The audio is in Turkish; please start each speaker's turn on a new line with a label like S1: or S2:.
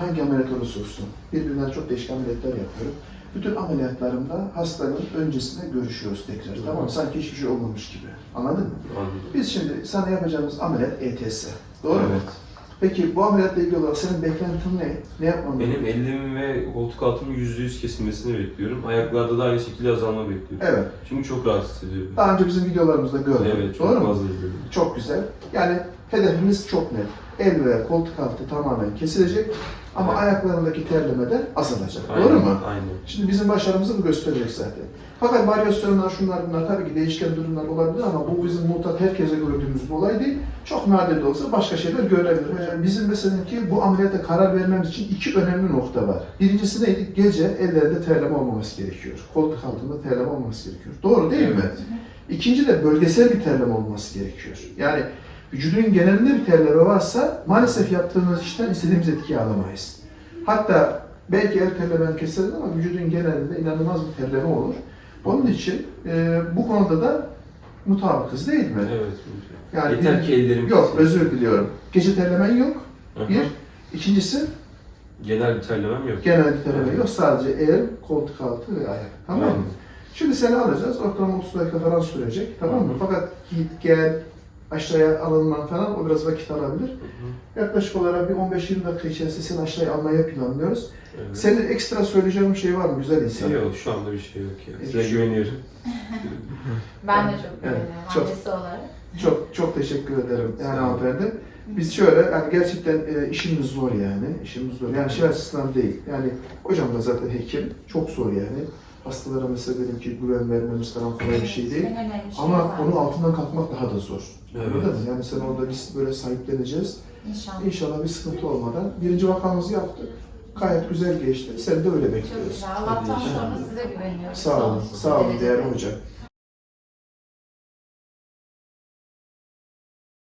S1: hangi ameliyat olursa olsun, birbirinden çok değişik ameliyatlar yapıyorum. Bütün ameliyatlarımda hastanın öncesinde görüşüyoruz tekrar. Tamam mı? Sanki hiçbir şey olmamış gibi. Anladın mı?
S2: Anladım.
S1: Biz şimdi sana yapacağımız ameliyat ETS. Doğru mu?
S2: Evet.
S1: Peki bu ameliyatla ilgili olarak senin beklentin ne? Ne yapmam
S2: Benim ellerim ve koltuk altımın %100 kesilmesini bekliyorum. Ayaklarda da aynı şekilde azalma bekliyorum.
S1: Evet.
S2: Çünkü çok rahatsız ediyor.
S1: Daha önce bizim videolarımızda gördüm.
S2: Evet, çok
S1: Doğru mu?
S2: fazla izledim.
S1: Çok güzel. Yani hedefimiz çok net. El ve koltuk altı tamamen kesilecek ama
S2: Evet.
S1: ayaklarındaki terleme de azalacak.
S2: Aynen,
S1: Doğru mu?
S2: Aynen.
S1: Şimdi bizim başarımızı bu gösterecek zaten. Fakat varyasyonlar, şunlar bunlar tabii ki değişken durumlar olabilir ama bu bizim mutlak herkese gördüğümüz bir olay değil. Çok nadir de olsa başka şeyler görülebilir. Yani bizim mesela ki bu ameliyata karar vermemiz için iki önemli nokta var. Birincisi neydi? Gece ellerinde terleme olmaması gerekiyor. Koltuk altında terleme olmaması gerekiyor. Doğru değil mi? İkinci de bölgesel bir terleme olması gerekiyor. Yani vücudun genelinde bir terleme varsa maalesef yaptığımız işten istediğimiz etkiyi alamayız. Hatta belki el terlemen keseriz ama vücudun genelinde inanılmaz bir terleme olur. Onun için bu konuda da mutabıkız değil mi?
S2: Evet.
S1: Yani
S2: Yeter ki ellerim
S1: Yok,
S2: kesilsin.
S1: özür diliyorum. Gece terlemen yok.
S2: Hı hı.
S1: Bir. İkincisi
S2: Genel bir terlemem yok.
S1: genel bir terleme yok. Sadece el, koltuk altı ve ayak. Tamam mı?
S2: Aynen.
S1: Şimdi seni alacağız. Ortalama 30 dakika falan sürecek. Tamam mı?
S2: Hı hı.
S1: Fakat git gel aşağıya alınman falan o biraz vakit alabilir.
S2: Hı hı.
S1: Yaklaşık olarak bir 15-20 dakika içerisinde seni aşağıya almaya planlıyoruz.
S2: Evet.
S1: Senin ekstra söyleyeceğin bir şey var mı güzel insan?
S2: Yok, şu anda bir şey yok ya. Size
S1: Evet.
S2: güveniyorum.
S3: Ben de çok
S1: Evet,
S3: güveniyorum
S1: çok.
S3: annesi olarak.
S1: Çok teşekkür ederim yani
S2: Sağ olun.
S1: hanımefendi. Biz şöyle yani gerçekten işimiz zor yani. İşimiz zor. Yani şey açısından değil. Yani hocam da zaten hekim. Çok zor yani. Hastalara mesela dedim ki güven vermemiz falan kolay bir şey değil.
S3: En önemli şey
S1: Ama
S3: zaten.
S1: onun altından kalkmak daha da zor.
S2: Evet.
S1: Anladın mı? Yani sen orada biz böyle sahipleneceğiz.
S3: İnşallah.
S1: İnşallah bir sıkıntı olmadan. Birinci vakamızı yaptık. Gayet güzel geçti. Sen de öyle
S3: Çok
S1: bekliyoruz.
S3: güzel. Allah'tan sonra size güveniyoruz.
S1: Sağ olun.
S3: Sonsuz
S1: Sağ olun
S3: derecede.
S1: değerli hocam.